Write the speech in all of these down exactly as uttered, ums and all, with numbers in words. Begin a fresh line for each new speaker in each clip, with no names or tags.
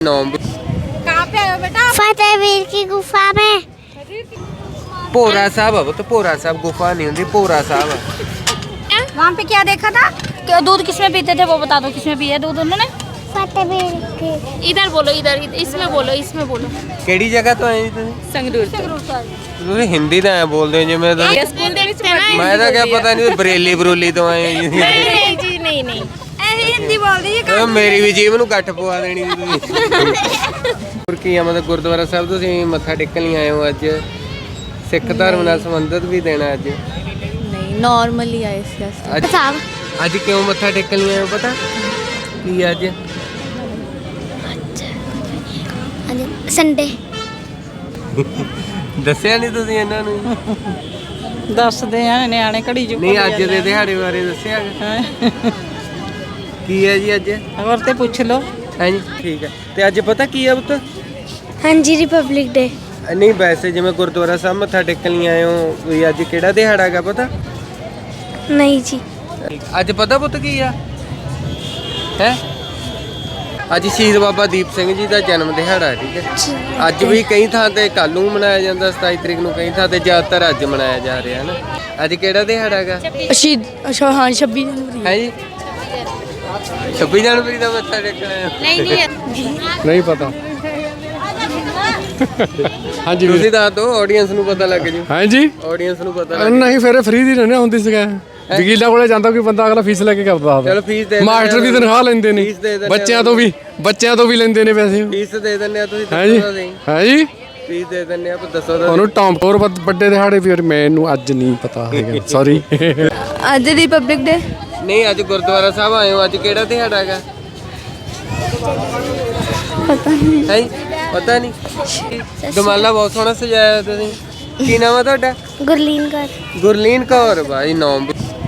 कहाँ पे आए हो बेटा?
फतेहवीर की गुफा में।
भोरा साहब है वो तो, भोरा साहब गुफा नहीं होती, भोरा साहब है।
वहाँ पे क्या देखा था? क्या दूध किसमें पीते थे वो बता दो, किसमें पिया दूध उन्होंने?
फतेहवीर की।
इधर बोलो, इधर इसमें बोलो, इसमें बोलो।
केड़ी जगह तो आए तुम?
संगरूर
ਤੁਸੀਂ ਹਿੰਦੀ ਤਾਂ ਐ ਬੋਲਦੇ ਹੋ ਜਿਵੇਂ ਤਾਂ
स्कूल ਦੇ ਵਿੱਚ ਪੜ੍ਹਦੀ
ਮੈਂ ਤਾਂ ਕਿਹਾ ਪਤਾ ਨਹੀਂ ਬਰੇਲੀ ਬਰੂਲੀ ਤੋਂ ਆਏ ਹੋ ਜੀ।
ਨਹੀਂ ਜੀ, ਨਹੀਂ ਨਹੀਂ
ऐसे हिंदी बोल दी
ਉਹ ਮੇਰੀ ਵੀ ਜੀਭ ਨੂੰ ਗੱਠ ਪਵਾ ਦੇਣੀ ਸੀ ਤੁਸੀਂ। ਹੋਰ ਕੀ ਆ, ਮਤਲਬ ਗੁਰਦੁਆਰਾ ਸਾਹਿਬ ਤੁਸੀਂ ਮੱਥਾ ਟੇਕਣ ਲਈ ਆਏ ਹੋ ਅੱਜ, ਸਿੱਖ ਧਰਮ ਨਾਲ ਸੰਬੰਧਿਤ ਵੀ ਦੇਣਾ ਅੱਜ?
ਨਹੀਂ, ਨਾਰਮਲੀ ਆਏ ਸੀ ਅਸੀਂ।
ਅੱਜ
साहब
ਅੱਜ ਕਿਉਂ ਮੱਥਾ ਟੇਕਣ ਲਈ ਆਏ ਹੋ ਪਤਾ ਕੀ ਅੱਜ?
संडे।
ਦੱਸਿਆ ਨਹੀਂ ਤੁਸੀਂ ਇਹਨਾਂ ਨੂੰ?
ਦੱਸਦੇ ਆ ਨਿਆਣੇ ਘੜੀ ਜੂ
ਨਹੀਂ ਅੱਜ ਦੇ ਦਿਹਾੜੇ ਬਾਰੇ ਦੱਸਿਆ ਕੀ ਹੈ ਜੀ ਅੱਜ?
ਹੋਰ ਤੇ ਪੁੱਛ ਲਓ।
ਹਾਂਜੀ ਠੀਕ ਹੈ। ਤੇ ਅੱਜ ਪਤਾ ਕੀ ਹੈ ਪੁੱਤ?
हाँ जी रिपब्लिक डे।
ਨਹੀਂ ਵੈਸੇ ਜਿਵੇਂ ਗੁਰਦੁਆਰਾ ਸਾਹਿਬ ਮੱਥਾ ਟੇਕਣ ਲਈ ਆਏ ਹੋ, ਵੀ ਅੱਜ ਕਿਹੜਾ ਦਿਹਾੜਾ ਹੈਗਾ ਪਤਾ?
नहीं जी।
ਅੱਜ ਪਤਾ ਪੁੱਤ ਕੀ ਆ ਹੈ? ਅੱਜ ਸ਼ਹੀਦ ਬਾਬਾ ਦੀਪ ਸਿੰਘ ਜੀ ਦਾ ਜਨਮ ਦਿਹਾੜਾ ਹੈ, ਠੀਕ ਹੈ। ਅੱਜ ਵੀ ਕਈ ਥਾਂ ਤੇ ਕੱਲ੍ਹ ਨੂੰ ਮਨਾਇਆ ਜਾਂਦਾ, ਸਤਾਈ ਤਰੀਕ ਨੂੰ, ਕਈ ਥਾਂ ਤੇ ਜ਼ਿਆਦਾਤਰ ਅੱਜ ਮਨਾਇਆ ਜਾ ਰਿਹਾ ਹੈ ਨਾ। ਅੱਜ ਕਿਹੜਾ ਦਿਹਾੜਾ ਹੈਗਾ?
ਸ਼ਹੀਦ ਅੱਛਾ ਹਾਂ ਛੱਬੀ ਜਨਵਰੀ।
ਹੈ ਜੀ ਛੱਬੀ ਜਨਵਰੀ ਦਾ ਮੱਥਾ ਟੇਕਣਾ ਹੈ?
ਨਹੀਂ ਨਹੀਂ
ਨਹੀਂ ਪਤਾ। ਹਾਂਜੀ
ਤੁਸੀਂ ਦੱਸ ਦਿਓ, ਆਡੀਅנס ਨੂੰ ਪਤਾ ਲੱਗ ਜੂ।
ਹਾਂਜੀ
ਆਡੀਅנס ਨੂੰ ਪਤਾ ਲੱਗ
ਨਹੀਂ ਫਿਰ ਫ੍ਰੀ ਦੀ ਰਹਿਣਾ ਹੁੰਦੀ ਸੀਗਾ। ਵਕੀਲਾਂ ਕੋਲੇ ਜਾਂਦਾ ਕੋਈ ਬੰਦਾ, ਅਗਲਾ ਫੀਸ ਲੈ ਕੇ ਕਰਦਾ ਹੋਵੇ।
ਚਲੋ ਫੀਸ ਦੇ
ਮਾਸਟਰ ਵੀ ਤਨਖਾਹ ਲੈਂਦੇ ਨੇ,
ਫੀਸ ਦੇ ਦਿੰਦੇ
ਬੱਚਿਆਂ ਤੋਂ ਵੀ ਬੱਚਿਆਂ ਤੋਂ ਵੀ ਲੈਂਦੇ ਨੇ ਪੈਸੇ।
ਫੀਸ ਦੇ ਦਿੰਦੇ ਆ, ਤੁਸੀਂ
ਹਾਂਜੀ
ਦੱਸੋ ਤਾਂ ਸਹੀ।
ਹਾਂਜੀ
ਫੀਸ ਦੇ ਦਿੰਦੇ ਆ, ਪਰ ਦੱਸੋ ਤਾਂ
ਉਹਨੂੰ ਟੌਮ ਹੋਰ ਵੱਡੇ ਦਿਹਾੜੇ ਵੀ ਮੈਨੂੰ ਅੱਜ ਨਹੀਂ ਪਤਾ ਹੈਗਾ, ਸੌਰੀ।
ਅੱਜ ਰਿਪਬਲਿਕ ਡੇ।
ਨਹੀਂ ਅੱਜ ਗੁਰਦੁਆਰਾ ਸਾਹਿਬ ਆਏ ਹੋ, ਅੱਜ ਕਿਹੜਾ ਦਿਹਾੜਾ ਹੈਗਾ? ਪਤਾ ਨਹੀਂ ਹੈ? ਪਤਾ ਨਹੀਂ। ਦਮਾਲਾ ਬਹੁਤ ਸੋਹਣਾ ਸਜਾਇਆ ਤੁਸੀਂ। ਕੀ ਨਾਮ ਹੈ ਤੁਹਾਡਾ?
गुरलीन कर।
ਗੁਰਲੀਨ ਕੌਰ। ਭਾਈ ਨਾਮ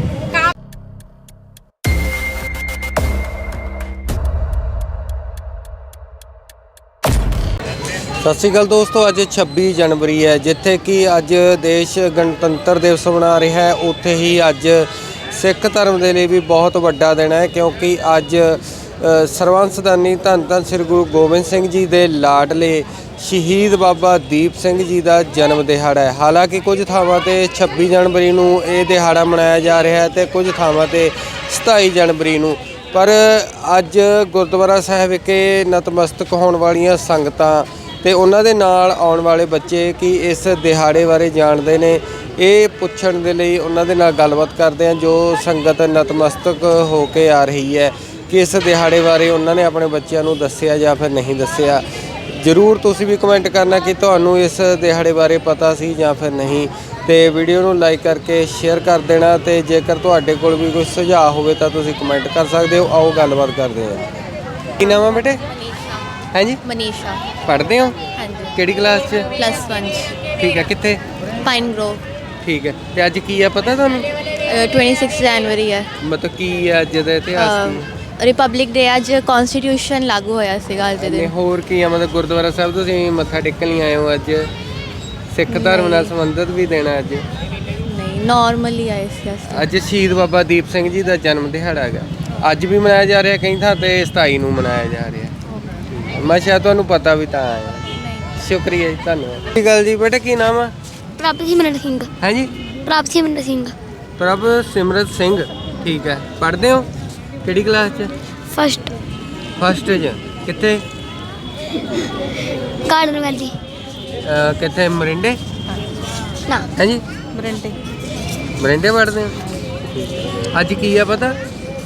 ਸਤਿ ਸ਼੍ਰੀ ਅਕਾਲ ਦੋਸਤੋ। ਅੱਜ ਛੱਬੀ ਜਨਵਰੀ ਹੈ, ਜਿੱਥੇ ਕਿ ਅੱਜ ਦੇਸ਼ ਗਣਤੰਤਰ ਦਿਵਸ ਮਨਾ ਰਿਹਾ ਹੈ, ਉੱਥੇ ਹੀ ਅੱਜ ਸਿੱਖ ਧਰਮ ਦੇ ਲਈ ਵੀ ਬਹੁਤ ਵੱਡਾ ਦਿਨ ਹੈ, ਕਿਉਂਕਿ ਅੱਜ ਸਰਬੰਸਦਾਨੀ ਧੰਨ ਧੰਨ ਸ੍ਰੀ ਗੁਰੂ ਗੋਬਿੰਦ ਸਿੰਘ ਜੀ ਦੇ ਲਾਡਲੇ ਸ਼ਹੀਦ ਬਾਬਾ ਦੀਪ ਸਿੰਘ ਜੀ ਦਾ ਜਨਮ ਦਿਹਾੜਾ ਹੈ। ਹਾਲਾਂਕਿ ਕੁਝ ਥਾਵਾਂ 'ਤੇ ਛੱਬੀ ਜਨਵਰੀ ਨੂੰ ਇਹ ਦਿਹਾੜਾ ਮਨਾਇਆ ਜਾ ਰਿਹਾ ਹੈ ਅਤੇ ਕੁਝ ਥਾਵਾਂ 'ਤੇ ਸਤਾਈ ਜਨਵਰੀ ਨੂੰ, ਪਰ ਅੱਜ ਗੁਰਦੁਆਰਾ ਸਾਹਿਬ ਵਿਖੇ ਨਤਮਸਤਕ ਹੋਣ ਵਾਲੀਆਂ ਸੰਗਤਾਂ ਤੇ ਉਹਨਾਂ ਦੇ ਨਾਲ ਆਉਣ ਵਾਲੇ ਬੱਚੇ ਕੀ ਇਸ ਦਿਹਾੜੇ ਬਾਰੇ ਜਾਣਦੇ ਨੇ, ਇਹ ਪੁੱਛਣ ਦੇ ਲਈ ਉਹਨਾਂ ਦੇ ਨਾਲ ਗੱਲਬਾਤ ਕਰਦੇ ਹਾਂ। ਜੋ ਸੰਗਤ ਨਤਮਸਤਕ ਹੋ ਕੇ ਆ ਰਹੀ ਹੈ, ਕਿ ਇਸ ਦਿਹਾੜੇ ਬਾਰੇ ਉਹਨਾਂ ਨੇ ਆਪਣੇ ਬੱਚਿਆਂ ਨੂੰ ਦੱਸਿਆ ਜਾਂ ਫਿਰ ਨਹੀਂ ਦੱਸਿਆ। ਜ਼ਰੂਰ ਤੁਸੀਂ ਵੀ ਕਮੈਂਟ ਕਰਨਾ ਕਿ ਤੁਹਾਨੂੰ ਇਸ ਦਿਹਾੜੇ ਬਾਰੇ ਪਤਾ ਸੀ ਜਾਂ ਫਿਰ ਨਹੀਂ, ਤੇ ਵੀਡੀਓ ਨੂੰ ਲਾਈਕ ਕਰਕੇ ਸ਼ੇਅਰ ਕਰ ਦੇਣਾ। ਤੇ ਜੇਕਰ ਤੁਹਾਡੇ ਕੋਲ ਵੀ ਕੋਈ ਸੁਝਾਅ ਹੋਵੇ ਤਾਂ ਤੁਸੀਂ ਕਮੈਂਟ ਕਰ ਸਕਦੇ ਹੋ। ਆਓ ਗੱਲਬਾਤ ਕਰਦੇ ਹਾਂ। ਕੀ ਨਾਮ ਹੈ ਬੇਟੇ? ਹਾਂਜੀ
ਮਨੀਸ਼ਾ।
ਪੜ੍ਹਦੇ ਹੋ?
ਹਾਂਜੀ
ਕਿਹੜੀ ਕਲਾਸ 'ਚ?
Plus one.
ਠੀਕ ਹੈ। ਕਿੱਥੇ?
Pine grove.
ਠੀਕ ਹੈ। ਤੇ ਅੱਜ ਕੀ ਆ ਪਤਾ ਤੁਹਾਨੂੰ?
ਛੱਬੀ ਜਨਵਰੀ ਹੈ।
ਮਤਲਬ ਕੀ ਹੈ ਅੱਜ ਦਾ ਇਤਿਹਾਸ ਕੀ ਹੈ?
Republic day. ਅੱਜ ਕਨਸਟੀਟਿਊਸ਼ਨ ਲਾਗੂ ਹੋਇਆ ਸੀਗਾ ਅੱਜ ਦੇ
ਨਹੀਂ
ਦਿਨ।
ਹੋਰ ਕੀ ਆ, ਮਤਲਬ ਗੁਰਦੁਆਰਾ ਸਾਹਿਬ ਤੁਸੀਂ ਮੱਥਾ ਟੇਕਣ ਲਈ ਆਏ ਹੋ, ਅੱਜ ਸਿੱਖ ਧਰਮ ਨਾਲ ਸੰਬੰਧਿਤ ਵੀ ਦੇਣਾ ਅੱਜ?
ਨਹੀਂ, ਨਾਰਮਲੀ ਆਏ ਸੀ ਅਸੀਂ।
ਅੱਜ ਸ਼ਹੀਦ ਬਾਬਾ ਦੀਪ ਸਿੰਘ ਜੀ ਦਾ ਜਨਮ ਦਿਹਾੜਾ ਹੈਗਾ, ਅੱਜ ਵੀ ਮਨਾਇਆ ਜਾ ਰਿਹਾ, ਕਈ ਥਾਂ ਤੇ ਸਤਾਈ ਨੂੰ ਮਨਾਇਆ ਜਾ ਰਿਹਾ। ਮੈਂ ਸ਼ਾਇਦ ਤੁਹਾਨੂੰ ਪਤਾ ਵੀ ਤਾਂ ਆਇਆ। ਸ਼ੁਕਰੀਆ ਜੀ, ਧੰਨਵਾਦ। ਕੀ ਗੱਲ ਜੀ ਬੇਟਾ, ਕੀ ਨਾਮ ਆ?
प्रभ सिमरन सिंह।
ਹਾਂਜੀ
प्रभ सिमरन सिंह।
ਪ੍ਰਭ ਸਿਮਰਤ ਸਿੰਘ। ਠੀਕ ਹੈ। ਪੜ੍ਹਦੇ ਹੋ ਕਿਹੜੀ ਕਲਾਸ 'ਚ?
फर्स्ट
ਫਸਟ 'ਚ। ਕਿੱਥੇ?
Garden valley.
ਅਹ ਕਿੱਥੇ? ਮਰਿੰਡੇ?
ना
ਹਾਂਜੀ
ਬਰੰਟੇ।
ਮਰਿੰਡੇ ਪੜ੍ਹਦੇ ਹੋ? ਅੱਜ ਕੀ ਆ ਪਤਾ?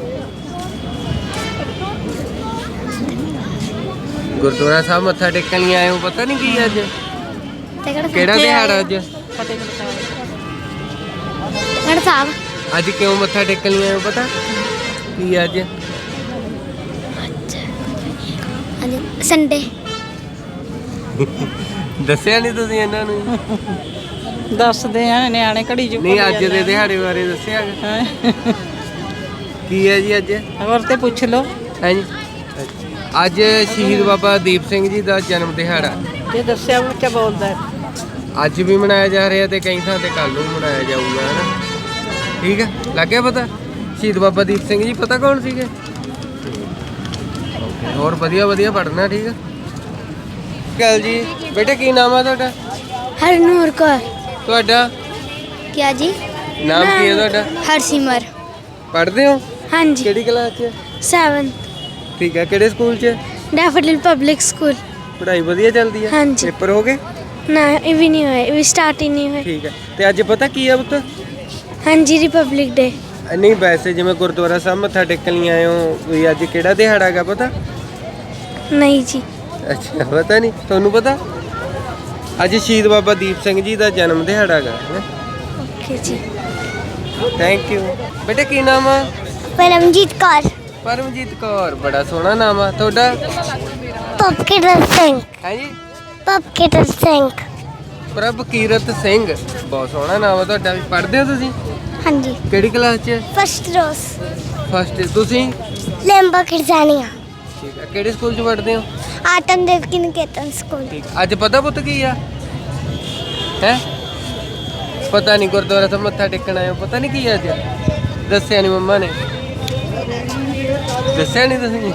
ਗੁਰਦੁਆਰਾ ਸਾਹਿਬ ਮੱਥਾ ਟੇਕਣ ਲਈ ਆਏ ਹੋ, ਪਤਾ ਨਹੀਂ ਕੀ ਅੱਜ? ਕਿਹੜਾ ਦਿਹਾੜਾ ਅੱਜ?
गढ़ साहब।
ਅੱਜ ਕਿਉਂ ਮੱਥਾ ਟੇਕਣ ਲਈ ਆਏ ਹੋ ਪਤਾ ਕੀ ਅੱਜ?
हाँ जी संडे।
ਦੱਸਿਆ ਨਹੀਂ ਤੁਸੀਂ ਇਹਨਾਂ ਨੂੰ?
ਦੱਸਦੇ ਆ ਨਿਆਣੇ ਘੜੀ ਜੂ
ਨਹੀਂ ਅੱਜ ਦੇ ਦਿਹਾੜੇ ਬਾਰੇ ਦੱਸਿਆ ਕੀ ਹੈ ਜੀ ਅੱਜ?
ਹੋਰ ਤੇ ਪੁੱਛ ਲਓ।
ਹਾਂਜੀ ਅੱਜ ਸ਼ਹੀਦ ਬਾਬਾ ਦੀਪ ਸਿੰਘ ਜੀ ਦਾ ਜਨਮ ਦਿਹਾੜਾ
ਜੇ ਦੱਸਿਆ ਬੱਚਾ ਬੋਲਦਾ।
ਅੱਜ ਵੀ ਮਨਾਇਆ ਜਾ ਰਿਹਾ ਤੇ ਕਈ ਥਾਂ ਤੇ ਕੱਲ੍ਹ ਨੂੰ ਮਨਾਇਆ ਜਾਊਗਾ, ਹੈ ਨਾ? ਠੀਕ ਹੈ, ਲੱਗ ਗਿਆ ਪਤਾ? ਸ਼ਹੀਦ ਬਾਬਾ ਦੀਪ ਸਿੰਘ ਜੀ ਪਤਾ ਕੌਣ ਸੀਗੇ? ਹੋਰ ਵਧੀਆ ਵਧੀਆ ਪੜ੍ਹਨਾ, ਠੀਕ ਹੈ। ਅਕਾਲ ਜੀ ਬੇਟਾ ਕੀ ਨਾਮ ਆ ਤੁਹਾਡਾ?
ਹਰਨੂਰ ਕੌਰ।
ਤੁਹਾਡਾ
ਕਿਆ ਜੀ?
ਨਾਮ ਕੀ ਹੈ ਤੁਹਾਡਾ?
ਹਰਸਿਮਰ।
ਪੜ੍ਹਦੇ ਹੋ?
ਹਾਂਜੀ
ਕਿਹੜੀ ਕਲਾਸ 'ਚ?
ਸੈਵਨਥ
ਠੀਕ ਹੈ। ਕਿਹੜੇ ਸਕੂਲ 'ਚ?
Daffodil public school.
ਪੜ੍ਹਾਈ ਵਧੀਆ ਚੱਲਦੀ ਹੈ?
ਹਾਂਜੀ।
ਪੇਪਰ ਹੋ ਗਏ?
ਨਾ ਇਹ ਵੀ ਨਹੀਂ ਹੋਏ, ਇਹ ਵੀ ਸਟਾਰਟ ਹੀ ਨਹੀਂ ਹੋਏ।
ਠੀਕ ਹੈ। ਤੇ ਅੱਜ ਪਤਾ ਕੀ ਆ ਪੁੱਤ?
ਹਾਂਜੀ ਰਿਪਬਲਿਕ ਡੇ।
ਨਹੀਂ ਵੈਸੇ ਜਿਵੇਂ ਗੁਰਦੁਆਰਾ ਸਾਹਿਬ ਮੱਥਾ ਟੇਕਣ ਲਈ ਆਏ ਹੋ ਵੀ ਅੱਜ ਕਿਹੜਾ ਦਿਹਾੜਾ ਹੈਗਾ ਪਤਾ?
ਨਹੀਂ ਜੀ।
ਅੱਛਾ ਪਤਾ ਨਹੀਂ ਤੁਹਾਨੂੰ ਪਤਾ? ਅੱਜ ਸ਼ਹੀਦ ਬਾਬਾ ਦੀਪ ਸਿੰਘ ਜੀ ਦਾ ਜਨਮ ਦਿਹਾੜਾ ਹੈਗਾ।
ਓਕੇ ਜੀ।
Thank you. ਬੇਟਾ ਕੀ ਨਾਮ ਆ?
ਪਰਮਜੀਤ ਕੌਰ।
ਪਰਮਜੀਤ ਕੌਰ ਬੜਾ ਸੋਹਣਾ ਨਾਮ ਆ ਤੁਹਾਡਾ।
ਪਪਕੀਰਤ ਸਿੰਘ।
ਹੈ ਜੀ
ਪਪਕੀਰਤ ਸਿੰਘ।
ਪ੍ਰਭ ਕੀਰਤ ਸਿੰਘ ਬਹੁਤ ਸੋਹਣਾ ਨਾਮ ਆ ਤੁਹਾਡਾ। ਵੀ ਪੜ੍ਹਦੇ ਹੋ ਤੁਸੀਂ?
ਹਾਂਜੀ
ਕਿਹੜੀ ਕਲਾਸ 'ਚ?
First rose.
ਫਸਟ। ਤੁਸੀਂ?
ਲੈਂਬਾ ਖਿਰਜ਼ਾਨੀਆ।
ਠੀਕ ਹੈ। ਕਿਹੜੇ ਸਕੂਲ 'ਚ ਪੜ੍ਹਦੇ ਹੋ?
ਆਤਮ ਦੇਵਕੀ ਨਿਕੇਤਨ ਸਕੂਲ।
ਠੀਕ। ਅੱਜ ਪਤਾ ਪੁੱਤ ਕੀ ਆ? ਹੈ ਪਤਾ ਨਹੀਂ ਗੁਰਦੁਆਰਾ ਸਾਹਿਬ ਮੱਥਾ ਟੇਕਣ ਆਏ ਹੋ ਪਤਾ ਨਹੀਂ ਕੀ ਆ ਅੱਜ? ਦੱਸਿਆ ਨਹੀਂ ਮੰਮਾ ਨੇ? ਦੱਸਿਆ ਨਹੀਂ ਤੁਸੀਂ?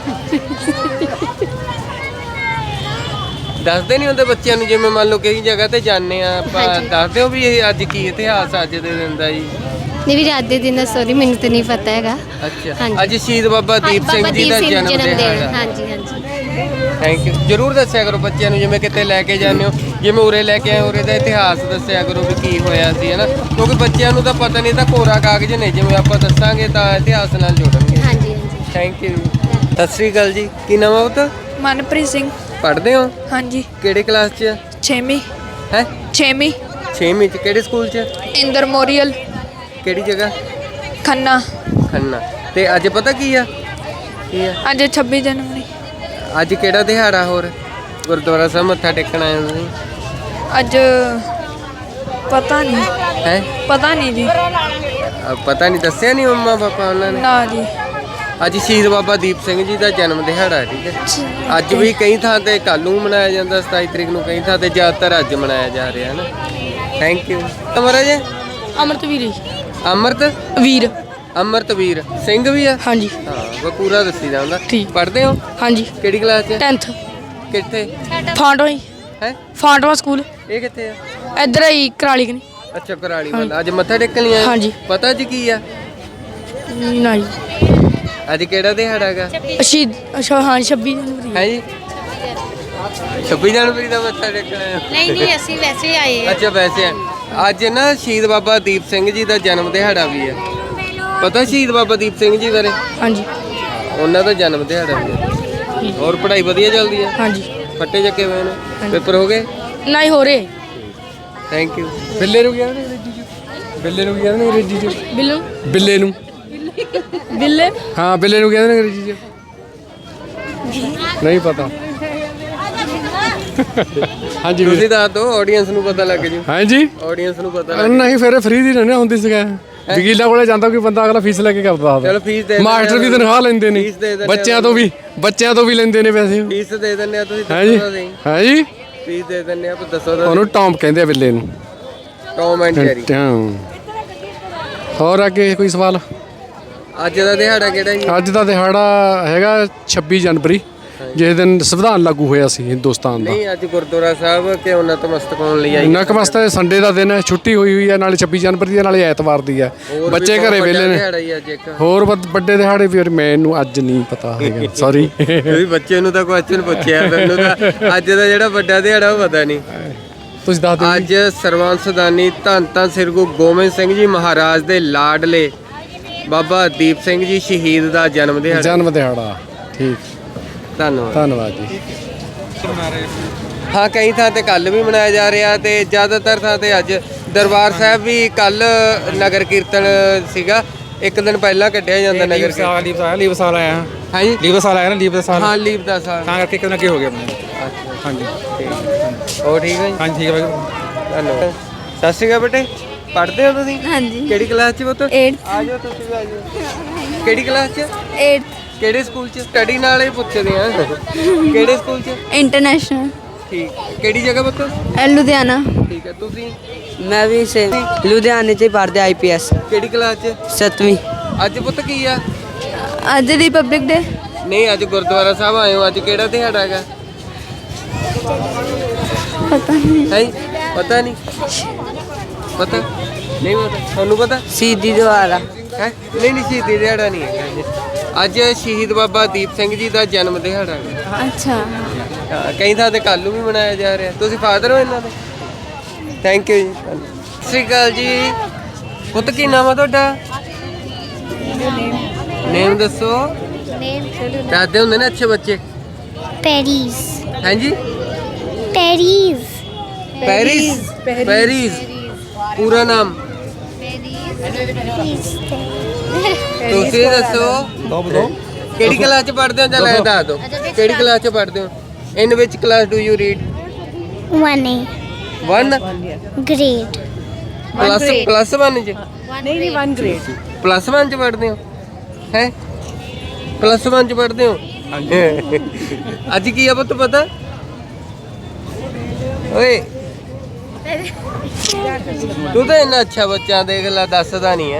ਦੱਸਦੇ ਨਹੀਂ ਹੁੰਦੇ ਬੱਚਿਆਂ ਨੂੰ ਜਿਵੇਂ ਮੰਨ ਲਓ ਕਈ ਜਗ੍ਹਾ ਤੇ ਜਾਂਦੇ ਆ ਆਪਾਂ ਦੱਸਦੇ ਹੋ ਵੀ ਇਹ ਅੱਜ ਕੀ ਇਤਿਹਾਸ ਅੱਜ ਦੇ ਦਿਨ ਦਾ ਜੀ?
ਨਹੀਂ ਵੀ ਰਾਤ ਦੇ ਦਿਨ ਦਾ ਸੌਰੀ ਮੈਨੂੰ ਤਾਂ ਨਹੀਂ ਪਤਾ ਹੈਗਾ।
ਅੱਛਾ ਅੱਜ ਸ਼ਹੀਦ ਬਾਬਾ ਦੀਪ ਸਿੰਘ ਜੀ ਦਾ ਜਨਮ ਦਿਨ ਹੈ।
ਹਾਂਜੀ ਹਾਂਜੀ
ਥੈਂਕ ਯੂ। ਜਰੂਰ ਦੱਸਿਆ ਕਰੋ ਬੱਚਿਆਂ ਨੂੰ ਜਿਵੇਂ ਕਿਤੇ ਲੈ ਕੇ ਜਾਂਦੇ ਹੋ ਜਿਵੇਂ ਉਰੇ ਲੈ ਕੇ ਆਏ ਉਰੇ ਦਾ ਇਤਿਹਾਸ ਦੱਸਿਆ ਕਰੋ ਵੀ ਕੀ ਹੋਇਆ ਸੀ ਹੈ ਨਾ ਕਿਉਂਕਿ ਬੱਚਿਆਂ ਨੂੰ ਤਾਂ ਪਤਾ ਨਹੀਂ ਤਾਂ ਕੋਰਾ ਕਾਗਜ਼ ਨੇ ਜਿਵੇਂ ਆਪਾਂ ਦੱਸਾਂਗੇ ਤਾਂ ਇਤਿਹਾਸ ਨਾਲ ਜੋੜਨਗੇ।
ਹਾਂਜੀ ਹਾਂਜੀ।
Thank you. ਸਤਿ ਸ੍ਰੀ ਅਕਾਲ ਜੀ ਕੀ ਨਾਮ ਆ ਪੁੱਤ?
ਮਨਪ੍ਰੀਤ ਸਿੰਘ।
ਪੜ੍ਹਦੇ ਹੋ?
ਹਾਂਜੀ
ਕਿਹੜੇ ਕਲਾਸ 'ਚ?
ਛੇਵੀਂ।
ਹੈ
ਛੇਵੀਂ।
ਛੇਵੀਂ 'ਚ ਕਿਹੜੇ ਸਕੂਲ 'ਚ?
ਇੰਦਰ ਮੋਰੀਅਲ
ਕਿਹੜੀ ਜਗ੍ਹਾ?
ਖੰਨਾ।
ਖੰਨਾ। ਤੇ ਅੱਜ ਪਤਾ ਕੀ ਆ? ਕੀ ਆ
ਅੱਜ ਛੱਬੀ ਜਨਵਰੀ।
ਅੱਜ ਕਿਹੜਾ ਦਿਹਾੜਾ ਹੋਰ ਗੁਰਦੁਆਰਾ ਸਾਹਿਬ ਮੱਥਾ ਟੇਕਣ ਆਏ ਹੋ ਤੁਸੀਂ?
ਅੱਜ ਪਤਾ ਨਹੀਂ।
ਹੈ
ਪਤਾ ਨਹੀਂ ਜੀ।
ਪਤਾ ਨਹੀਂ ਦੱਸਿਆ ਨਹੀਂ ਮੰਮਾ ਪਾਪਾ ਉਹਨਾਂ ਨੇ?
ਨਾ ਜੀ।
ਅੱਜ ਸ਼ਹੀਦ ਬਾਬਾ ਦੀਪ ਸਿੰਘ ਜੀ ਦਾ ਜਨਮ ਦਿਹਾੜਾ ਹੈ। ਠੀਕ ਹੈ। ਅੱਜ ਵੀ ਕਈ ਥਾਂ ਤੇ ਕੱਲ੍ਹ ਨੂੰ ਮਨਾਇਆ ਜਾਂਦਾ ਸਤਾਈ ਤਰੀਕ ਨੂੰ ਕਈ ਥਾਂ ਤੇ ਜ਼ਿਆਦਾਤਰ ਅੱਜ ਮਨਾਇਆ ਜਾ ਰਿਹਾ ਹੈ ਨਾ। Thank you. ਮਹਾਰਾਜ
ਅਮਰਤਵੀਰ।
ਅਮਰਤ
ਵੀਰ।
ਅਮਰਤਵੀਰ ਸਿੰਘ ਵੀ ਆ?
ਹਾਂਜੀ
ਹਾਂ ਉਹ ਪੂਰਾ ਦੱਸੀਦਾ ਹੁੰਦਾ।
ਠੀਕ।
ਪੜ੍ਹਦੇ ਹੋ?
ਹਾਂਜੀ
ਕਿਹੜੀ ਕਲਾਸ 'ਚ?
ਟੈਂਥ।
ਕਿੱਥੇ?
ਫਾਂਟਵਾ ਹੀ।
ਹੈ
ਫਾਂਟਵਾ ਸਕੂਲ
ਇਹ ਕਿੱਥੇ ਆ?
ਇੱਧਰ ਹੀ ਕਰਾਲੀ ਕਨੀ।
ਅੱਛਾ ਕਰਾਲੀ ਵਾਲਾ। ਅੱਜ ਮੱਥਾ ਟੇਕਣ ਲਈ ਆਏ?
ਹਾਂਜੀ।
ਪਤਾ ਅੱਜ ਕੀ ਆ?
ਨਾ ਜੀ।
ਅੱਜ ਕਿਹੜਾ ਦਿਹਾੜਾ ਹੈਗਾ?
ਸ਼ਹੀਦ ਅੱਛਾ ਹਾਂ ਛੱਬੀ ਜਨਵਰੀ।
ਹੈ ਜੀ ਛੱਬੀ ਜਨਵਰੀ ਦਾ ਮੱਥਾ ਟੇਕਣ ਆਏ ਹੋ?
ਨਹੀਂ ਨਹੀਂ ਅਸੀਂ ਵੈਸੇ ਹੀ ਆਏ
ਅੱਛਾ ਵੈਸੇ ਆ। ਅੱਜ ਨਾ ਸ਼ਹੀਦ ਬਾਬਾ ਦੀਪ ਸਿੰਘ ਜੀ ਦਾ ਜਨਮ ਦਿਹਾੜਾ ਵੀ ਹੈ। ਪਤਾ ਸ਼ਹੀਦ ਬਾਬਾ ਦੀਪ ਸਿੰਘ ਜੀ ਬਾਰੇ?
ਹਾਂਜੀ
ਉਹਨਾਂ ਦਾ ਜਨਮ ਦਿਹਾੜਾ ਵੀ ਹੈ। ਹੋਰ ਪੜ੍ਹਾਈ ਵਧੀਆ ਚੱਲਦੀ ਹੈ?
ਹਾਂਜੀ।
ਫੱਟੇ ਚੱਕੇ ਹੋਏ ਨੇ? ਪੇਪਰ ਹੋ ਗਏ?
ਨਹੀਂ ਹੋ ਰਹੇ।
Thank you.
ਬਿੱਲੇ ਨੂੰ ਕਹਿੰਦੇ ਨੇ ਅੰਗਰੇਜ਼ੀ 'ਚ? ਬਿੱਲੇ ਨੂੰ ਕਹਿੰਦੇ ਨੇ ਅੰਗਰੇਜ਼ੀ 'ਚ?
ਬਿੱਲੂ।
ਬਿੱਲੇ ਨੂੰ।
ਬਿੱਲੇ।
ਹਾਂ ਬਿੱਲੇ ਨੂੰ ਕਹਿੰਦੇ ਨੇ ਅੰਗਰੇਜ਼ੀ 'ਚ? ਨਹੀਂ ਪਤਾ। ਹਾਂਜੀ
ਤੁਸੀਂ ਦੱਸ ਦਿਓ ਆਡੀਅנס ਨੂੰ ਪਤਾ ਲੱਗ ਜੂ।
ਹਾਂਜੀ
ਆਡੀਅנס ਨੂੰ ਪਤਾ ਲੱਗ
ਨਹੀਂ ਫਿਰ ਫ੍ਰੀ ਦੀ ਰਹਿਣਾ ਹੁੰਦੀ ਸੀਗਾ। ਵਕੀਲਾਂ ਕੋਲੇ ਜਾਂਦਾ ਕੋਈ ਬੰਦਾ ਅਗਲਾ ਫੀਸ ਲੈ ਕੇ ਕਰਦਾ
ਚਲੋ ਫੀਸ ਦੇ
ਮਾਸਟਰ ਵੀ ਤਨਖਾਹ ਲੈਂਦੇ ਨੇ
ਫੀਸ ਦੇ ਦਿੰਦੇ
ਬੱਚਿਆਂ ਤੋਂ ਵੀ ਬੱਚਿਆਂ ਤੋਂ ਵੀ ਲੈਂਦੇ ਨੇ ਪੈਸੇ।
ਫੀਸ ਦੇ ਦਿੰਦੇ ਆ ਤੁਸੀਂ
ਹਾਂਜੀ
ਦੱਸੋ ਤਾਂ ਸਹੀ।
ਹਾਂਜੀ
ਫੀਸ ਦੇ ਦਿੰਦੇ ਆ ਪਰ ਦੱਸੋ ਤਾਂ
ਉਹਨੂੰ ਟੌਮ ਕਹਿੰਦੇ ਆ ਬਿੱਲੇ ਨੂੰ।
Tom and Jerry.
ਹਾਂ। ਹੋਰ ਅੱਗੇ ਕੋਈ ਸਵਾਲ?
ਅੱਜ ਦਾ ਦਿਹਾੜਾ ਕਿਹੜਾ ਜੀ?
ਅੱਜ ਦਾ ਦਿਹਾੜਾ ਹੈਗਾ ਛੱਬੀ ਜਨਵਰੀ ਜਿਸ ਦਿਨ ਸੰਵਿਧਾਨ ਲਾਗੂ ਹੋਇਆ ਸੀ ਹਿੰਦੁਸਤਾਨ ਦਾ।
ਨਹੀਂ ਅੱਜ ਗੁਰਦੁਆਰਾ ਸਾਹਿਬ ਕਿ ਨਤਮਸਤਕ ਹੋਣ ਲਈ ਆਈ?
ਨਕਮਸਤੇ ਸੰਡੇ ਦਾ ਦਿਨ ਹੈ ਛੁੱਟੀ ਹੋਈ ਹੋਈ ਹੈ ਨਾਲੇ ਛੱਬੀ ਜਨਵਰੀ ਦੀ ਨਾਲੇ ਐਤਵਾਰ ਦੀ ਹੈ ਬੱਚੇ ਘਰੇ ਵਿਹਲੇ ਨੇ।
ਦਿਹਾੜਾ ਹੀ ਅੱਜ ਇੱਕ
ਹੋਰ ਵੱਡ- ਵੱਡੇ ਦਿਹਾੜੇ ਵੀ ਮੈਨੂੰ ਅੱਜ ਨਹੀਂ ਪਤਾ ਹੈਗਾ ਸੌਰੀ।
ਤੁਸੀਂ ਬੱਚੇ ਨੂੰ ਤਾਂ ਕੁਐਸਚਨ ਪੁੱਛਿਆ ਤੁਹਾਨੂੰ ਤਾਂ ਅੱਜ ਦਾ ਜਿਹੜਾ ਵੱਡਾ ਦਿਹਾੜਾ ਉਹ ਪਤਾ ਨਹੀਂ।
ਤੁਸੀਂ ਦੱਸ ਦਿਓ।
ਅੱਜ ਸਰਵੰਸਦਾਨੀ ਧੰਨ ਧੰਨ ਸ੍ਰੀ ਗੁਰੂ ਗੋਬਿੰਦ ਸਿੰਘ ਜੀ ਮਹਾਰਾਜ ਦੇ ਲਾਡਲੇ ਬਾਬਾ ਦੀਪ ਸਿੰਘ ਜੀ ਸ਼ਹੀਦ ਦਾ ਜਨਮ ਦਿਹਾੜਾ।
ਜਨਮ ਦਿਹਾੜਾ। ਠੀਕ
ਧੰਨਵਾਦ।
ਧੰਨਵਾਦ ਜੀ।
ਹਾਂ ਕਈ ਥਾਂ ਤੇ ਕੱਲ ਵੀ ਮਨਾਇਆ ਜਾ ਰਿਹਾ ਤੇ ਜ਼ਿਆਦਾਤਰ ਥਾਂ ਤੇ ਅੱਜ ਦਰਬਾਰ ਸਾਹਿਬ ਵੀ ਕੱਲ ਨਗਰ ਕੀਰਤਨ ਸੀਗਾ। ਇੱਕ ਦਿਨ ਪਹਿਲਾਂ ਕੱਢਿਆ ਜਾਂਦਾ ਨਗਰ ਕੀਰਤਨ।
ਲੀਵ ਸਾਲ ਲੀਵ ਸਾਲ ਆਇਆ
ਹਾਂ ਜੀ
ਲੀਵ ਸਾਲ ਆਇਆ ਨਾ ਲੀਵ ਦਾ ਸਾਲ
ਹਾਂ ਲੀਵ ਦਾ ਸਾਲ
ਤਾਂ ਕਰਕੇ ਕਿਤੇ ਨਾ ਕੀ ਹੋ ਗਿਆ ਆਪਣੇ। ਹਾਂਜੀ
ਹੋਰ ਠੀਕ ਹੈ ਜੀ?
ਹਾਂਜੀ ਠੀਕ ਹੈ ਬਾਈ।
ਧੰਨਵਾਦ। ਸਤਿ ਸ਼੍ਰੀ ਅਕਾਲ ਬੇਟੇ ਪੜ੍ਹਦੇ ਹੋ ਤੁਸੀਂ?
ਹਾਂਜੀ
ਕਿਹੜੀ ਕਲਾਸ 'ਚ ਪੁੱਤ?
eighth
ਆ ਜਾਓ ਤੁਸੀਂ ਵੀ ਆ ਜਾਓ। ਕਿਹੜੀ ਕਲਾਸ 'ਚ?
eighth
ਕਿਹੜੇ ਸਕੂਲ 'ਚ? ਸਟੱਡੀ ਨਾਲ ਹੀ ਪੁੱਛਦੇ ਆ। ਕਿਹੜੇ ਸਕੂਲ 'ਚ?
ਇੰਟਰਨੈਸ਼ਨਲ
ਠੀਕ। ਕਿਹੜੀ ਜਗ੍ਹਾ ਪੁੱਤ?
ਲੁਧਿਆਣਾ।
ਠੀਕ ਹੈ। ਤੁਸੀਂ?
ਮੈਂ ਵੀ ਸੇ ਲੁਧਿਆਣੇ 'ਚ ਹੀ ਪੜ੍ਹਦਾ ਆਈ ਪੀ ਐਸ
ਕਿਹੜੀ ਕਲਾਸ 'ਚ?
ਸੱਤਵੀਂ।
ਅੱਜ ਪੁੱਤ ਕੀ ਆ?
ਅੱਜ ਰਿਪਬਲਿਕ ਡੇ।
ਨਹੀਂ ਅੱਜ ਗੁਰਦੁਆਰਾ ਸਾਹਿਬ ਆਏ ਹੋ। ਅੱਜ ਕਿਹੜਾ ਦਿਹਾੜਾ ਹੈਗਾ?
ਪਤਾ ਨਹੀਂ
ਹੈ ਪਤਾ ਨਹੀਂ ਪਤਾ ਨਹੀਂ ਪਤਾ ਤੁਹਾਨੂੰ ਪਤਾ
ਸ਼ਹੀਦੀ ਦਿਹਾੜਾ
ਹੈ ਨਹੀਂ ਨਹੀਂ ਸ਼ਹੀਦੀ ਦਿਹਾੜਾ ਨਹੀਂ ਹੈਗਾ ਜੀ। ਅੱਜ ਸ਼ਹੀਦ ਬਾਬਾ ਦੀਪ ਸਿੰਘ ਜੀ ਦਾ ਜਨਮ ਦਿਹਾੜਾ ਹੈ।
ਅੱਛਾ
ਹਾਂ, ਕਈ ਥਾਂ ਤੇ ਕੱਲ੍ਹ ਨੂੰ ਵੀ ਮਨਾਇਆ ਜਾ ਰਿਹਾ। ਤੁਸੀਂ ਫਾਦਰ ਹੋ ਇਹਨਾਂ ਦੇ? ਥੈਂਕ ਯੂ ਜੀ। ਸਤਿ ਸ਼੍ਰੀ ਅਕਾਲ ਜੀ। ਪੁੱਤ ਕੀ ਨਾਮ ਆ ਤੁਹਾਡਾ? ਨੇਮ ਦੱਸੋ। ਦੱਸਦੇ ਹੁੰਦੇ ਨੇ ਅੱਛੇ ਬੱਚੇ।
ਪੈਰਿਸ
ਹਾਂਜੀ
ਪੈਰਿਸ
ਪੈਰਿਸ ਪੈਰਿਸ ਪੂਰਾ ਨਾਮ ਤੁਸੀਂ ਦੱਸੋ ਕਿਹੜੀ ਕਲਾਸ ਚ ਪੜ੍ਹਦੇ ਹੋ? ਜਾਂ ਲੈ ਦੱਸ ਦਿਓ ਕਿਹੜੀ ਕਲਾਸ ਚ ਪੜ੍ਹਦੇ ਹੋ? In which class do you read?
One A
one
grade
plus plus one ਚ? ਨਹੀਂ ਨਹੀਂ ਵਨ ਗ੍ਰੇਡ ਪਲੱਸ ਵਨ ਚ ਪੜ੍ਹਦੇ ਹੋ ਹੈ? ਪਲੱਸ ਵਨ ਚ ਪੜ੍ਹਦੇ ਹੋ? ਅੱਜ ਕੀ ਆ ਪੁੱਤ ਪਤਾ? ਓਏ ਤੂੰ ਤਾਂ ਇੰਨਾ ਅੱਛਾ ਬੱਚਾ ਦੇਖ ਲੈ ਦੱਸਦਾ ਨਹੀਂ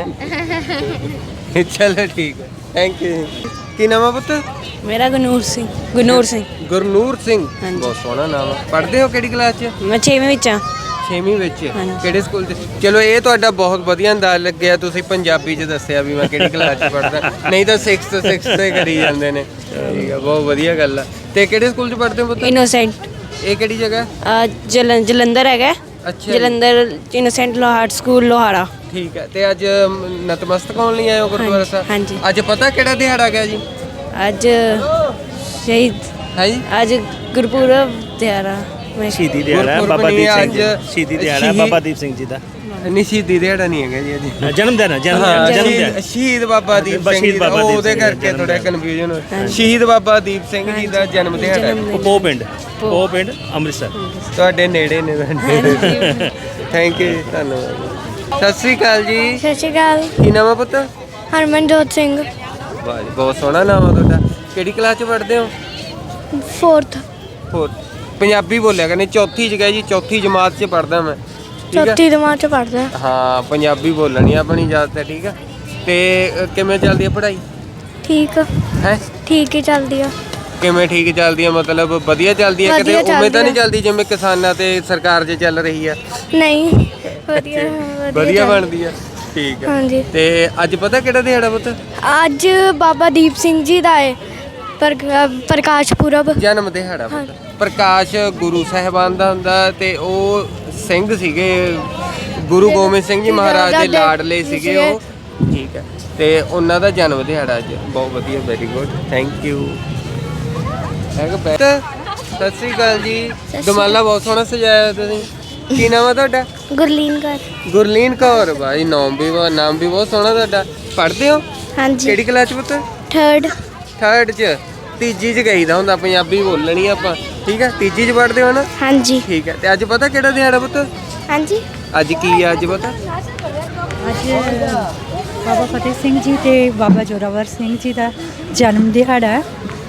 ਹੈ। ਚਲੋ ਠੀਕ ਹੈ ਥੈਂਕ ਯੂ। ਕੀ ਨਾਮ ਆ ਪੁੱਤ?
ਮੇਰਾ ਗਨੂਰ ਸਿੰਘ ਗਨੂਰ ਸਿੰਘ
ਗੁਰਨੂਰ ਸਿੰਘ। ਬਹੁਤ ਸੋਹਣਾ ਨਾਮ ਆ। ਪੜ੍ਹਦੇ ਹੋ ਕਿਹੜੀ ਕਲਾਸ 'ਚ?
ਮੈਂ ਛੇਵੀਂ ਵਿੱਚ ਆ।
ਛੇਵੀਂ ਵਿੱਚ। ਕਿਹੜੇ ਸਕੂਲ 'ਚ? ਚਲੋ ਇਹ ਤੁਹਾਡਾ ਬਹੁਤ ਵਧੀਆ ਅੰਦਾਜ਼ ਲੱਗਿਆ। ਤੁਸੀਂ ਪੰਜਾਬੀ 'ਚ ਦੱਸਿਆ ਵੀ ਮੈਂ ਕਿਹੜੀ ਕਲਾਸ 'ਚ ਪੜ੍ਹਦਾ, ਨਹੀਂ ਤਾਂ ਸਿਕਸਥ ਸਿਕਸਥ ਤੇ ਕਰੀ ਜਾਂਦੇ ਨੇ। ਠੀਕ ਆ ਬਹੁਤ ਵਧੀਆ ਗੱਲ ਆ। ਤੇ ਕਿਹੜੇ ਸਕੂਲ 'ਚ ਪੜ੍ਹਦੇ ਹੋ ਪੁੱਤ?
ਇਨੋਸੈਂਟ
ਇਹ ਕਿਹੜੀ ਜਗ੍ਹਾ?
ਜਲੰ ਜਲੰਧਰ ਹੈਗਾ।
ਅੱਛਾ
ਜਲੰਧਰ ਇਨੋਸੈਂਟ ਲੋਹਾਰ ਸਕੂਲ ਲੋਹਾਰਾ।
ਠੀਕ ਹੈ। ਤੇ ਅੱਜ ਨਤਮਸਤਕ ਹੋਣ ਲਈ ਆਏ ਹੋ ਗੁਰਦੁਆਰਾ ਸਾਹਿਬ?
ਹਾਂਜੀ।
ਅੱਜ ਪਤਾ ਕਿਹੜਾ ਦਿਹਾੜਾ ਗਿਆ ਜੀ?
ਅੱਜ ਸ਼ਹੀਦ
ਹੈ ਜੀ
ਅੱਜ ਗੁਰਪੁਰਬ ਦਿਹਾੜਾ।
ਸ਼ਹੀਦੀ ਦਿਹਾੜਾ ਹੈ ਬਾਬਾ ਦੀਪ ਸਿੰਘ ਜੀ ਦਾ। ਸ਼ਹੀਦੀ ਦਿਹਾੜਾ ਹੈ ਬਾਬਾ ਦੀਪ ਸਿੰਘ ਜੀ ਦਾ।
ਨਹੀਂ ਸ਼ਹੀਦੀ ਦਿਹਾੜਾ ਨਹੀਂ ਹੈਗਾ ਜੀ ਅੱਜ।
ਜਨਮ ਦਿਨ ਹੈ ਜਨਮ
ਹਾਂ,
ਦਿਨ ਜਨਮ
ਸ਼ਹੀਦ-
ਦਿਨ
ਸ਼ਹੀਦ ਬਾਬਾ ਦੀਪ ਸਿੰਘ ਜੀ ਦਾ।
ਬਾਬਾ ਦੀਪ
ਉਹਦੇ
ਸਿੰਘ ਜੀ ਦਾ
ਕਰਕੇ ਥੋੜਾ ਕਨਫਿਊਜ਼ਨ ਹੋਇਆ। ਸ਼ਹੀਦ ਬਾਬਾ ਦੀਪ ਸਿੰਘ ਜੀ ਦਾ ਜਨਮ ਦਿਹਾੜਾ ਹੈ।
ਪੋ ਪਿੰਡ ਪੋ ਪਿੰਡ ਅੰਮ੍ਰਿਤਸਰ।
ਤੁਹਾਡੇ ਨੇੜੇ ਨੇ। ਥੈਂਕ ਯੂ ਜੀ ਧੰਨਵਾਦ। ਸਤਿ ਸ੍ਰੀ ਅਕਾਲ ਜੀ।
ਸਤਿ ਸ਼੍ਰੀ ਅਕਾਲ
ਕੀ ਨਾਮ ਆ ਪੁੱਤ?
ਹਰਮਨਜੋਤ ਸਿੰਘ
ਵਾਹ ਜੀ ਬਹੁਤ ਸੋਹਣਾ ਨਾਮ ਆ ਤੁਹਾਡਾ। ਕਿਹੜੀ ਕਲਾਸ 'ਚ ਪੜ੍ਹਦੇ ਹੋ?
ਫੋਰਥ
ਹੋਰ ਪੰਜਾਬੀ ਬੋਲਿਆ ਕਰਨੀ। ਚੌਥੀ 'ਚ ਗਏ ਜੀ। ਚੌਥੀ ਜਮਾਤ 'ਚ ਪੜ੍ਹਦਾ ਮੈਂ। ਠੀਕ ਆ?
ਚੌਥੀ ਜਮਾਤ ਚ ਪੜ੍ਹਦਾ।
ਹਾਂ ਪੰਜਾਬੀ ਬੋਲਣੀ ਆਪਣੀ ਜ਼ਿਆਦਾ ਹੈ। ਠੀਕ ਆ। ਤੇ ਅ, ਕਿਵੇਂ ਚੱਲਦੀ ਹੈ ਪੜ੍ਹਾਈ?
ਠੀਕ
ਹੈ
ਠੀਕ ਹੀ ਚੱਲਦੀ ਆ।
ਕਿਵੇਂ ਠੀਕ ਚੱਲਦੀ ਹੈ? ਮਤਲਬ ਵਧੀਆ ਚੱਲਦੀ ਹੈ? ਕਿਤੇ
ਵਧੀਆ
ਉਵੇਂ ਤਾਂ ਨਹੀਂ
ਚੱਲਦੀ
ਚੱਲਦੀ ਜਿਵੇਂ ਕਿਸਾਨਾਂ ਤੇ ਸਰਕਾਰ 'ਚ ਚੱਲ ਰਹੀ ਆ?
ਨਹੀਂ ਵਧੀਆ
ਵਧੀਆ
ਚੱਲ-
ਬਣਦੀ ਆ। ਠੀਕ ਹੈ।
ਹਾਂਜੀ।
ਤੇ ਅੱਜ ਪਤਾ ਕਿਹੜਾ ਦਿਹਾੜਾ ਪੁੱਤ?
ਅੱਜ ਬਾਬਾ ਦੀਪ ਸਿੰਘ ਜੀ ਦਾ ਹੈ ਪਰ ਪ੍ਰਕਾਸ਼ ਪੁਰਬ।
ਜਨਮ ਦਿਹਾੜਾ ਪੁੱਤ। ਪ੍ਰਕਾਸ਼ ਗੁਰੂ ਸਾਹਿਬਾਨ ਦਾ ਹੁੰਦਾ ਤੇ ਉਹ ਸਿੰਘ ਸੀਗੇ ਗੁਰੂ ਗੋਬਿੰਦ ਸਿੰਘ ਜੀ ਮਹਾਰਾਜ ਦੇ ਲਾਡਲੇ ਸੀਗੇ ਉਹ। ਠੀਕ ਹੈ। ਤੇ ਉਹਨਾਂ ਦਾ ਜਨਮ ਦਿਹਾੜਾ ਅੱਜ। ਬਹੁਤ ਵਧੀਆ ਵੈਰੀ ਗੁੱਡ ਥੈਂਕ ਯੂ। ਹੈਗਾ ਬੈਠ। ਸਤਿ ਸ੍ਰੀ ਅਕਾਲ ਜੀ। ਦਮਾਲਾ ਬਹੁਤ ਸੋਹਣਾ ਸਜਾਇਆ ਤੁਸੀਂ। ਕੀ ਨਾਮ ਆ ਤੁਹਾਡਾ?
ਗੁਰਲੀਨ ਕੌਰ।
ਗੁਰਲੀਨ ਕੌਰ। ਭਾਈ ਨਾਮ ਵੀ ਬਹੁਤ ਨਾਮ ਵੀ ਬਹੁਤ ਸੋਹਣਾ ਤੁਹਾਡਾ। ਪੜ੍ਹਦੇ ਹੋ
ਹਾਂਜੀ
ਕਿਹੜੀ ਕਲਾਸ 'ਚ ਪੁੱਤ?
ਥਰਡ
ਥਰਡ 'ਚ। ਤੀਜੀ 'ਚ ਗਈਦਾ ਹੁੰਦਾ ਪੰਜਾਬੀ ਬੋਲਣੀ ਆਪਾਂ। ਠੀਕ ਹੈ। ਤੀਜੀ 'ਚ ਪੜ੍ਹਦੇ ਹੋ ਨਾ?
ਹਾਂਜੀ
ਠੀਕ ਹੈ। ਤੇ ਅੱਜ ਪਤਾ ਕਿਹੜਾ ਦਿਹਾੜਾ ਪੁੱਤ?
ਹਾਂਜੀ
ਅੱਜ ਕੀ ਆ ਅੱਜ ਪਤਾ?
ਅੱਜ ਬਾਬਾ ਫਤਿਹ ਸਿੰਘ ਜੀ ਤੇ ਬਾਬਾ ਜੋਰਾਵਰ ਸਿੰਘ ਜੀ ਦਾ ਜਨਮ ਦਿਹਾੜਾ ਹੈ।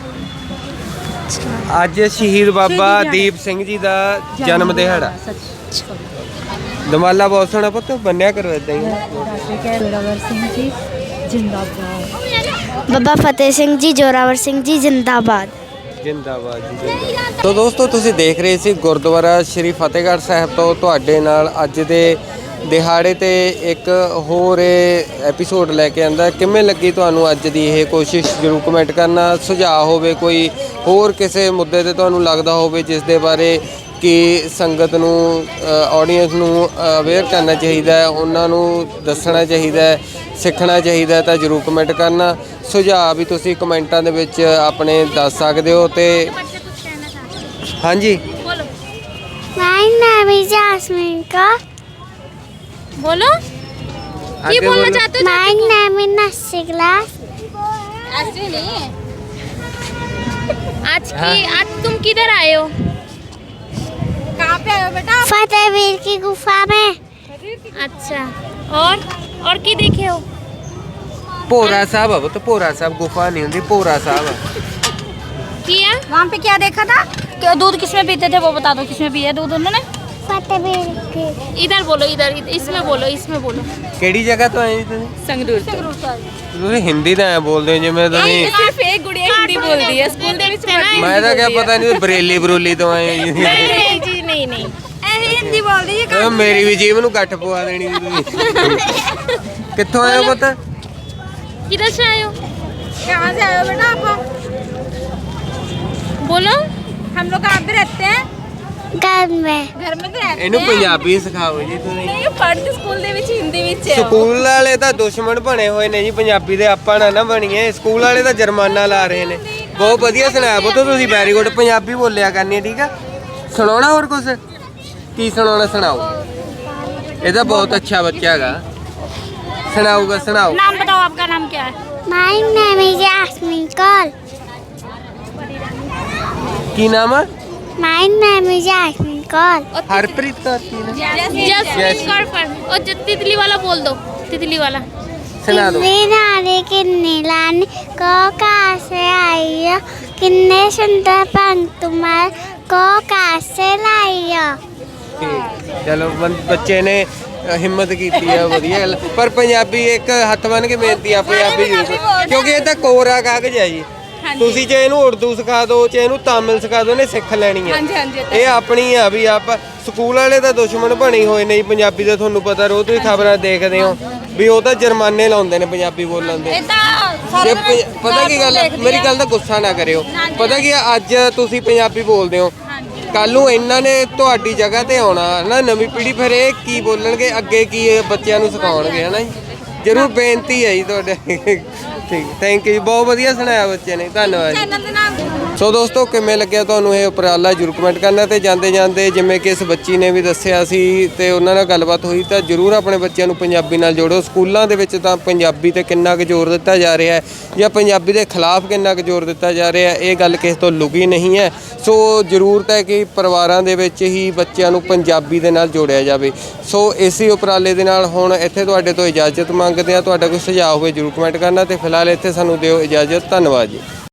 ਅੱਜ ਸ਼ਹੀਦ ਬਾਬਾ ਦੀਪ ਸਿੰਘ ਜੀ ਦਾ ਜਨਮ ਦਿਹਾੜਾ। ਦਮਾਲਾ ਬਹੁਤ ਸੋਹਣਾ ਪੁੱਤ ਬੰਨਿਆ ਕਰੋ ਇਦਾਂ ਹੀ।
ਡਾਕਟਰ ਜੋਰਾਵਰ ਸਿੰਘ ਜੀ ਜਿੰਦਾਬਾਦ।
ਬਾਬਾ ਫਤਿਹ ਸਿੰਘ ਜੀ ਜੋਰਾਵਰ ਸਿੰਘ ਜੀ ਜਿੰਦਾਬਾਦ।
ਜਿੰਦਾਬਾਦ ਜੀ ਜਿੰਦਾਬਾਦ। ਤੋ ਦੋਸਤੋ ਤੁਸੀਂ ਦੇਖ ਰਹੇ ਸੀ ਗੁਰਦੁਆਰਾ ਸ਼੍ਰੀ ਫਤਿਹਗੜ੍ਹ ਸਾਹਿਬ ਤੋਂ ਤੁਹਾਡੇ ਨਾਲ ਅੱਜ ਦੇ ਦਿਹਾੜੇ ਤੇ ਇੱਕ ਹੋਰ ਐਪੀਸੋਡ ਲੈ ਕੇ ਆਂਦਾ। ਕਿਵੇਂ ਲੱਗੀ ਤੁਹਾਨੂੰ ਅੱਜ ਦੀ ਇਹ ਕੋਸ਼ਿਸ਼ ਜ਼ਰੂਰ ਕਮੈਂਟ ਕਰਨਾ। ਸੁਝਾਅ ਹੋਵੇ ਕੋਈ ਹੋਰ ਕਿਸੇ ਮੁੱਦੇ ਤੇ ਤੁਹਾਨੂੰ ਲੱਗਦਾ ਹੋਵੇ ਜਿਸ ਦੇ ਬਾਰੇ ਕਿ ਸੰਗਤ ਨੂੰ ਆਡੀਅנס ਨੂੰ ਅਵੇਅਰ ਕਰਨਾ ਚਾਹੀਦਾ ਹੈ, ਉਹਨਾਂ ਨੂੰ ਦੱਸਣਾ ਚਾਹੀਦਾ ਹੈ, ਸਿੱਖਣਾ ਚਾਹੀਦਾ ਤਾਂ ਜ਼ਰੂਰ ਕਮੈਂਟ ਕਰਨਾ। ਸੁਝਾਅ ਵੀ ਤੁਸੀਂ ਕਮੈਂਟਾਂ ਦੇ ਵਿੱਚ ਆਪਣੇ ਦੱਸ ਸਕਦੇ ਹੋ। ਤੇ ਹਾਂਜੀ
My name is Jasmine Ka.
बोलो की
आगे
बोलना
बोलो।
चाहते हो?
My name is Nasi class.
ऐसे नहीं है। आज की आज तुम किधर आए हो? कहाँ पे आए हो बेटा?
फतेहवीर की गुफा में।
अच्छा और और की देखे हो?
ਭੋਰਾ ਸਾਹਿਬ ਆ ਪੁੱਤ। ਭੋਰਾ ਸਾਹਿਬ ਗੁਫਾ ਨਹੀਂ ਹੁੰਦੀ ਭੋਰਾ ਸਾਹਿਬ ਆ।
किया वहाँ पे क्या देखा था? क्या दूध किसमें पीते थे वो बता दो। किसमें पिया दूध उन्होंने?
फतेहवीर की।
इधर बोलो इधर इधर- इसमें बोलो इसमें बोलो।
ਕਿਹੜੀ ਜਗ੍ਹਾ ਤੋਂ ਆਏ ਜੀ ਤੁਸੀਂ?
ਸੰਗਰੂਰ
संगरूर से आए।
ਤੁਸੀਂ ਹਿੰਦੀ ਤਾਂ ਐ ਬੋਲਦੇ ਹੋ ਜਿਵੇਂ ਤੁਸੀਂ
ਸਿਰਫ ਇੱਕ ਗੁੜੀਆ ਹਿੰਦੀ ਬੋਲਦੀ ਹੈ ਸਕੂਲ ਦੇ ਵਿੱਚ
ਮੈਂ ਤਾਂ ਕਿਹਾ ਪਤਾ ਨਹੀਂ ਬਰੇਲੀ ਬਰੂਲੀ ਤੋਂ ਆਏ ਹੋ ਜੀ।
ਨਹੀਂ ਜੀ
नहीं नहीं ऐसे हिंदी बोल दी
ਓਏ ਮੇਰੀ ਵੀ ਜੀਭ ਨੂੰ ਗੱਠ ਪਵਾ ਦੇਣੀ ਸੀ ਤੁਸੀਂ ਕਿੱਥੋਂ ਆਏ ਹੋ ਪੁੱਤ
किधर से आए हो कहाँ से आए हो बेटा आप बोलो हम लोग कहाँ पे रहते हैं
घर में
घर में तो रहते
ਇਹਨੂੰ ਪੰਜਾਬੀ ਸਿਖਾਓ ਜੀ ਤੁਸੀਂ
नहीं पढ़ते स्कूल ਦੇ ਵਿੱਚ ਹਿੰਦੀ ਵਿੱਚ ਹੈ
ਸਕੂਲ ਵਾਲੇ ਤਾਂ ਦੁਸ਼ਮਣ ਬਣੇ ਹੋਏ ਨੇ ਜੀ ਪੰਜਾਬੀ ਦੇ ਆਪਾਂ ਨਾ ਨਾ ਬਣੀਏ ਸਕੂਲ ਵਾਲੇ ਤਾਂ ਜੁਰਮਾਨਾ ਲਾ ਰਹੇ ਨੇ ਬਹੁਤ ਵਧੀਆ ਸੁਣਾਇਆ ਪੁੱਤ ਤੁਸੀਂ ਵੈਰੀ ਗੁੱਡ ਪੰਜਾਬੀ ਬੋਲਿਆ ਕਰਨੀ ਹੈ ਠੀਕ ਆ ਸੁਣਾਉਣਾ ਹੋਰ ਕੁਝ ਕੀ ਸੁਣਾਉਣਾ ਸੁਣਾਓ ਇਹ ਤਾਂ ਬਹੁਤ ਅੱਛਾ ਬੱਚਾ ਹੈਗਾ सुनाओगा सुनाओ
नाम बताओ आपका नाम क्या है
My name is Yasmin Kaur.
की नाम है
My name is Yasmin Kaur.
Harpreet Kaur की ना
जसमीन कौर पर और जो तितली वाला बोल दो तितली वाला
सुना दो
नारे किन्ने लाने को कहाँ से आई हो किन्ने सुंदर पंख तुम्हारे को कहाँ से लाई हो
ठीक चलो बं- बच्चे ने ਹਿੰਮਤ ਕੀਤੀ ਆ ਵਧੀਆ ਗੱਲ ਪਰ ਪੰਜਾਬੀ ਇੱਕ ਹੱਥ ਬੰਨ ਕੇ ਬੇਨਤੀ ਆ ਪੰਜਾਬੀ ਜ਼ਰੂਰ ਕਿਉਂਕਿ ਇਹ ਤਾਂ ਕੋਰਾ ਕਾਗਜ਼ ਹੈ ਜੀ ਤੁਸੀਂ ਜੇ ਇਹਨੂੰ ਉਰਦੂ ਸਿਖਾ ਦਿਓ ਜੇ ਇਹਨੂੰ ਤਾਮਿਲ ਸਿਖਾ ਦਿਓ ਇਹਨੇ ਸਿੱਖ ਲੈਣੀ ਆ ਇਹ ਆਪਣੀ ਆ ਵੀ ਆਪ ਸਕੂਲ ਵਾਲੇ ਤਾਂ ਦੁਸ਼ਮਣ ਬਣੇ ਹੋਏ ਨੇ ਜੀ ਪੰਜਾਬੀ ਦਾ ਤੁਹਾਨੂੰ ਪਤਾ ਰੋਜ਼ ਤੁਸੀਂ ਖਬਰਾਂ ਦੇਖਦੇ ਹੋ ਵੀ ਉਹ ਤਾਂ ਜੁਰਮਾਨੇ ਲਾਉਂਦੇ ਨੇ ਪੰਜਾਬੀ ਬੋਲਣ ਦੇ ਜੇ ਪੰਜ- ਪਤਾ ਕੀ ਗੱਲ ਆ? ਮੇਰੀ ਗੱਲ ਦਾ ਗੁੱਸਾ ਨਾ ਕਰਿਓ ਪਤਾ ਕੀ ਆ, ਅੱਜ ਤੁਸੀਂ ਪੰਜਾਬੀ ਬੋਲਦੇ ਹੋ ਕੱਲ ਨੂੰ ਇਹਨਾਂ ਨੇ ਤੁਹਾਡੀ ਜਗ੍ਹਾ ਤੇ ਆਉਣਾ ਨਾ ਨਵੀਂ ਪੀੜ੍ਹੀ ਫਿਰ ਇਹ ਕੀ ਬੋਲਣਗੇ ਅੱਗੇ ਕੀ ਇਹ ਬੱਚਿਆਂ ਨੂੰ ਸਿਖਾਉਣਗੇ ਹਨਾ ਜੀ ਜ਼ਰੂਰ ਬੇਨਤੀ ਹੈ ਜੀ ਤੁਹਾਡੇ ਠੀਕ ਥੈਂਕ ਯੂ ਬਹੁਤ ਵਧੀਆ ਸੁਣਾਇਆ ਬੱਚੇ ਨੇ ਧੰਨਵਾਦ ਜੀ ਸੋ ਦੋਸਤੋ ਕਿਵੇਂ ਲੱਗਿਆ ਤੁਹਾਨੂੰ ਇਹ ਉਪਰਾਲਾ ਜ਼ਰੂਰ ਕਮੈਂਟ ਕਰਨਾ ਤੇ ਜਾਂਦੇ ਜਾਂਦੇ ਜਿਵੇਂ ਕਿ ਇਸ ਬੱਚੀ ਨੇ ਵੀ ਦੱਸਿਆ ਸੀ ਤੇ ਉਹਨਾਂ ਨਾਲ ਗੱਲਬਾਤ ਹੋਈ ਤਾਂ ਜ਼ਰੂਰ ਆਪਣੇ ਬੱਚਿਆਂ ਨੂੰ ਪੰਜਾਬੀ ਨਾਲ ਜੋੜੋ ਸਕੂਲਾਂ ਦੇ ਵਿੱਚ ਤਾਂ ਪੰਜਾਬੀ ਤੇ ਕਿੰਨਾ ਕੁ ਜ਼ੋਰ ਦਿੱਤਾ ਜਾ ਰਿਹਾ ਹੈ ਜਾਂ ਪੰਜਾਬੀ ਦੇ ਖਿਲਾਫ ਕਿੰਨਾ ਕੁ ਜ਼ੋਰ ਦਿੱਤਾ ਜਾ ਰਿਹਾ ਹੈ ਇਹ ਗੱਲ ਕਿਸੇ ਤੋਂ ਲੁਕੀ ਨਹੀਂ ਹੈ ਸੋ ਜ਼ਰੂਰਤ ਹੈ ਕਿ ਪਰਿਵਾਰਾਂ ਦੇ ਵਿੱਚ ਹੀ ਬੱਚਿਆਂ ਨੂੰ ਪੰਜਾਬੀ ਦੇ ਨਾਲ ਜੋੜਿਆ ਜਾਵੇ ਸੋ ਇਸੇ ਉਪਰਾਲੇ ਦੇ ਨਾਲ ਹੁਣ ਇੱਥੇ ਤੁਹਾਡੇ ਤੋਂ ਇਜਾਜ਼ਤ ਮੰਗਦੇ ਹਾਂ ਤੁਹਾਡਾ ਕੋਈ ਸੁਝਾਅ ਹੋਵੇ ਜ਼ਰੂਰ ਕਮੈਂਟ ਕਰਨਾ ਤੇ ਫਿਲਹਾਲ ਇੱਥੇ ਸਾਨੂੰ ਦਿਓ ਇਜਾਜ਼ਤ ਧੰਨਵਾਦ ਜੀ।